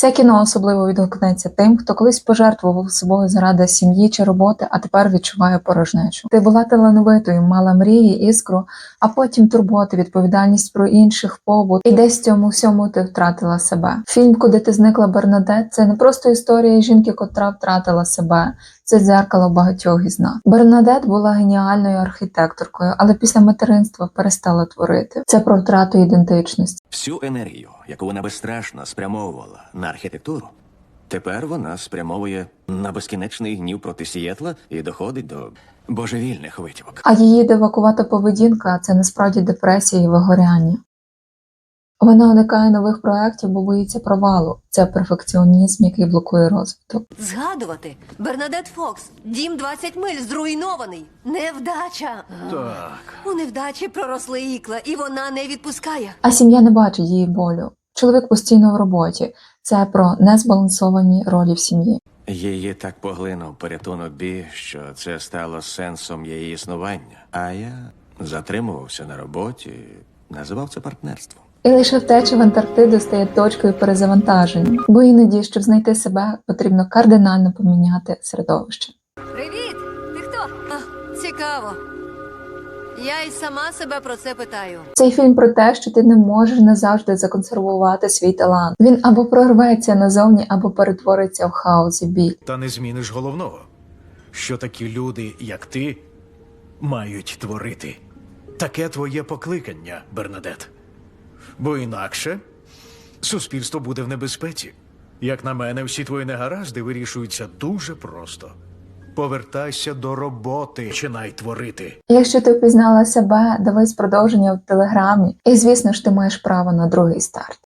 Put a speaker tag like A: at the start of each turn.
A: Це кіно особливо відгукнеться тим, хто колись пожертвував собою заради сім'ї чи роботи, а тепер відчуває порожнечу. Ти була талановитою, мала мрії, іскру, а потім турботи, відповідальність про інших, побут. І десь в цьому всьому ти втратила себе. Фільм «Куди ти зникла, Бернадет» – це не просто історія жінки, котра втратила себе. Це дзеркало багатьох із нас. Бернадет була геніальною архітекторкою, але після материнства перестала творити. Це про втрату ідентичності.
B: Всю енергію, яку вона безстрашно спрямовувала на архітектуру, тепер вона спрямовує на безкінечний гнів проти Сієтла і доходить до божевільних витівок.
A: А її дивакувата поведінка – це насправді депресія і вигоряння. Вона уникає нових проєктів, бо боїться провалу. Це перфекціонізм, який блокує розвиток.
C: Згадувати. Бернадет Фокс. Дім 20 миль зруйнований. Невдача.
D: Так.
C: У невдачі проросли ікла, і вона не відпускає.
A: А сім'я не бачить її болю. Чоловік постійно в роботі. Це про незбалансовані ролі в сім'ї.
B: Її так поглинув порятунок Бі, що це стало сенсом її існування. А я затримувався на роботі, називав це партнерством.
A: І лише втеча в Антарктиду стає точкою перезавантаження. Бо іноді, щоб знайти себе, потрібно кардинально поміняти середовище.
C: Привіт! Ти хто? А, цікаво. Я й сама себе про це питаю.
A: Цей фільм про те, що ти не можеш назавжди законсервувати свій талант. Він або прорветься назовні, або перетвориться в хаос і біль.
D: Та не зміниш головного, що такі люди, як ти, мають творити. Таке твоє покликання, Бернадет. Бо інакше суспільство буде в небезпеці. Як на мене, всі твої негаразди вирішуються дуже просто. Повертайся до роботи, починай творити.
A: Якщо ти впізнала себе, дивись продовження в Телеграмі. І звісно ж, ти маєш право на другий старт.